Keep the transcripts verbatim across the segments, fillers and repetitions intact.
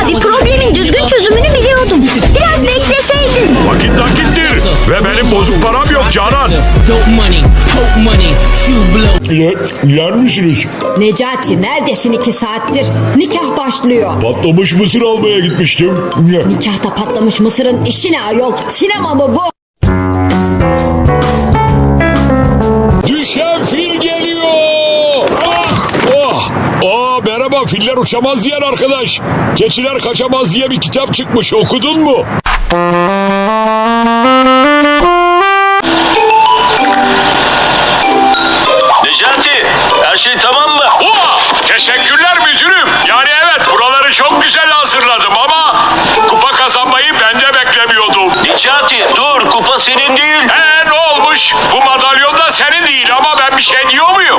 abi, problemin düzgün çözümünü biliyordum. Biraz bekleseydin. Vakit nakittir ve benim bozuk param yok Canan. Yer, yer misiniz? Necati neredesin iki saattir? Nikah başlıyor. Patlamış mısır almaya gitmiştim. Nikahta patlamış mısırın işi ne ayol? Sinema mı bu? Düşen fil geliyor. Ah, oh. Aa, merhaba, filler uçamaz diyen arkadaş. Keçiler kaçamaz diye bir kitap çıkmış, okudun mu? Necati, her şey tamam mı? Oh, teşekkürler müdürüm. Yani evet, buraları çok güzel hazırladım ama kupa kazanmayı ben de beklemiyordum. Necati, dur, kupa senin değil. Ee, ne olmuş? Bu madalyon da senin değil ama ben bir şey diyor muyum?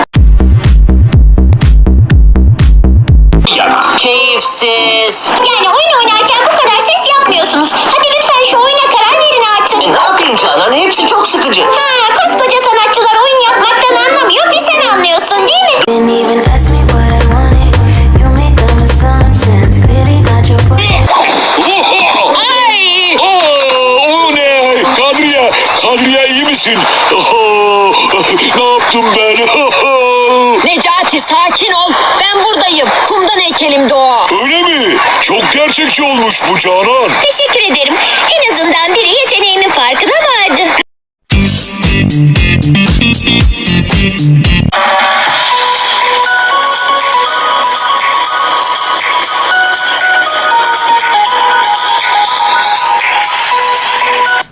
Keyifsiz. Yani oyun oynarken bu kadar ses yapmıyorsunuz. Hadi lütfen şu oyuna karar verin artık. E, ne yapayım Canan? Hepsi çok sıkıcı. Ha, koskoca sanatçılar oyun yapmaktan anlamıyor. Bir sen anlıyorsun değil mi? Didn't even ask me what I wanted. You made them assumptions. Clearly not your fault. Ay! Aa, o ne? Kadriye, Kadriye iyi misin? Oh, ne yaptım ben? Necati sakin ol. Ben buradayım. Kumdan heykelimdi o. Öyle mi? Çok gerçekçi olmuş bu Canan. Teşekkür ederim. En azından biri yeteneğimin farkına vardı.